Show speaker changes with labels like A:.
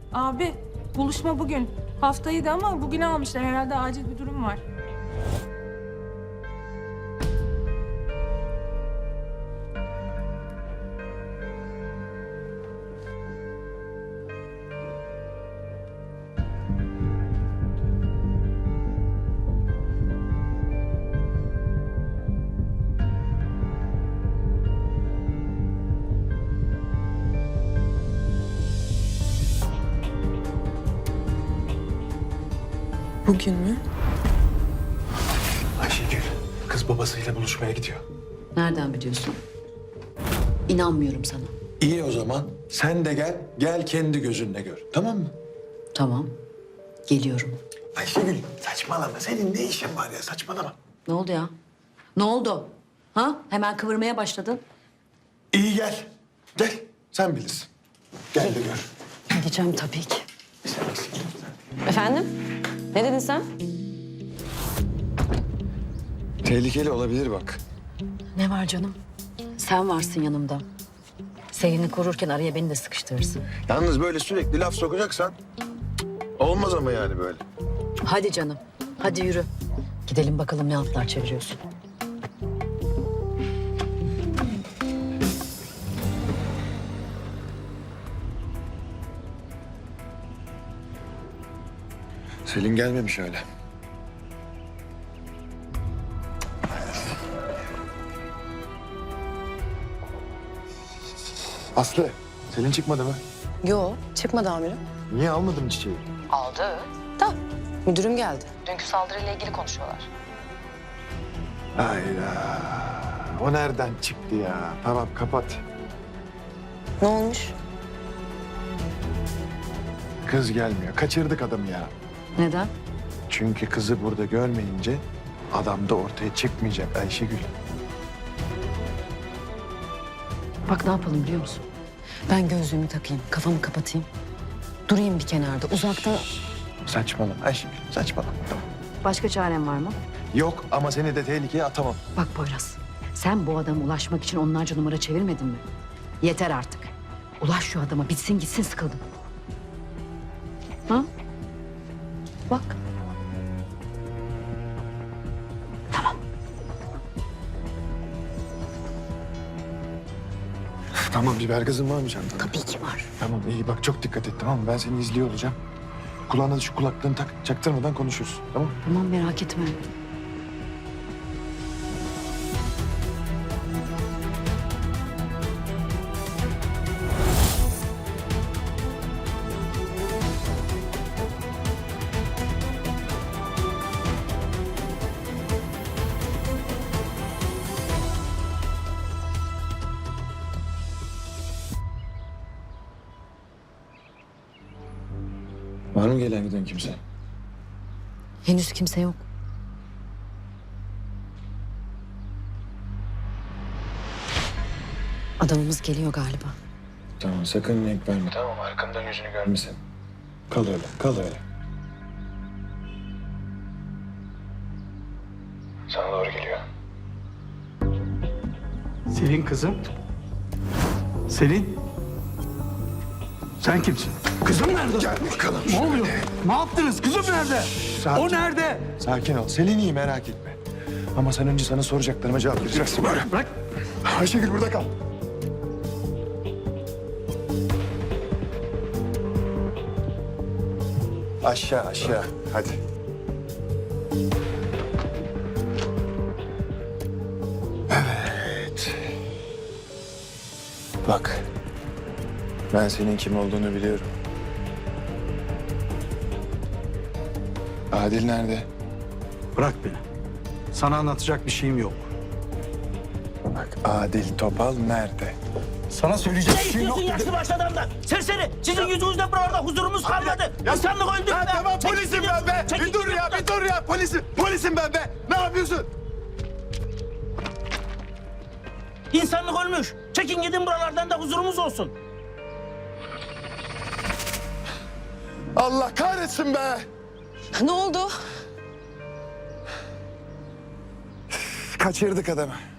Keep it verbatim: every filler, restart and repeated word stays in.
A: Abi buluşma bugün. Haftaydı ama bugün almışlar. Herhalde acil bir durum var.
B: Bugün mü?
C: Ayşegül, kız babasıyla buluşmaya gidiyor.
D: Nereden biliyorsun? İnanmıyorum sana.
C: İyi o zaman. Sen de gel, gel kendi gözünle gör. Tamam mı?
D: Tamam. Geliyorum.
C: Ayşegül, saçmalama. Senin ne işin var ya? Saçmalama.
D: Ne oldu ya? Ne oldu? Ha? Hemen kıvırmaya başladın.
C: İyi gel. Gel. Sen bilirsin. Gel de gör.
D: Gideceğim tabii ki.
C: Sen eksik.
E: Efendim? Ne dedin sen?
C: Tehlikeli olabilir bak.
D: Ne var canım? Sen varsın yanımda. Selin'i korurken araya beni de sıkıştırırsın.
C: Yalnız böyle sürekli laf sokacaksan olmaz ama yani böyle.
D: Hadi canım. Hadi yürü. Gidelim bakalım ne altlar çeviriyorsun.
C: Selin gelmemiş öyle. Aslı, Selin çıkmadı mı?
B: Yo, çıkmadı amirim.
C: Niye almadın çiçeği?
E: Aldı. Da müdürüm geldi. Dünkü saldırıyla ilgili konuşuyorlar.
C: Hayda. O nereden çıktı ya? Tamam, kapat.
B: Ne olmuş?
C: Kız gelmiyor. Kaçırdık adamı ya.
D: Neden?
C: Çünkü kızı burada görmeyince adam da ortaya çıkmayacak Ayşegül.
D: Bak ne yapalım biliyor musun? Ben gözlüğümü takayım, kafamı kapatayım. Durayım bir kenarda, uzakta.
C: Saçmalama Ayşegül, saçmalama. Tamam.
D: Başka çaren var mı?
C: Yok ama seni de tehlikeye atamam.
D: Bak Poyraz, sen bu adama ulaşmak için onlarca numara çevirmedin mi? Yeter artık. Ulaş şu adama, bitsin gitsin, sıkıldım. Ha? Bak.
C: Tamam, biber gazın var mı çantanda?
D: Tabii ki var.
C: Tamam, iyi bak çok dikkat et tamam mı? Ben seni izliyor olacağım. Kulağına da şu kulaklığını tak, çaktırmadan konuşuruz tamam mı?
D: Tamam merak etme.
C: Var mı gelen giden kimse?
D: Henüz kimse yok. Adamımız geliyor galiba.
C: Tamam, sakın renk verme. Tamam, arkamdan yüzünü görmesin. Kal öyle, kal öyle. Sana doğru geliyor.
F: Selin kızım. Selin. Sen kimsin? Kızım nerede?
C: Gel bakalım.
F: Ne oluyor? Ne yaptınız? Kızım nerede?
C: Sakin.
F: O nerede?
C: Sakin ol. Selin iyi, merak etme. Ama sen önce sana soracaklarıma cevap vereceksin. Böyle.
F: Bırak.
C: Ayşegül burada kal. Aşağı aşağı. Hadi. Evet. Bak. Ben senin kim olduğunu biliyorum. Adil nerede?
F: Bırak beni. Sana anlatacak bir şeyim yok.
C: Bak Adil Topal nerede?
F: Sana söyleyecek bir
G: Ne
F: şeyim yok.
G: istiyorsun yaşlı başlı adamdan? Serseri! Sizin yüzünüzden buralarda huzurumuz kalmadı. İnsanlık öldü
C: Ya
G: be!
C: tamam
G: Çekil
C: polisim
G: gidiyorsun,
C: ben be.
G: çekil
C: Bir dur ya
G: gidiyorsun.
C: bir dur ya polisim. Polisim ben be. Ne yapıyorsun?
G: İnsanlık ölmüş. Çekin gidin buralardan da huzurumuz olsun.
C: Allah kahretsin be.
B: Ne oldu?
C: Kaçırdık adamı.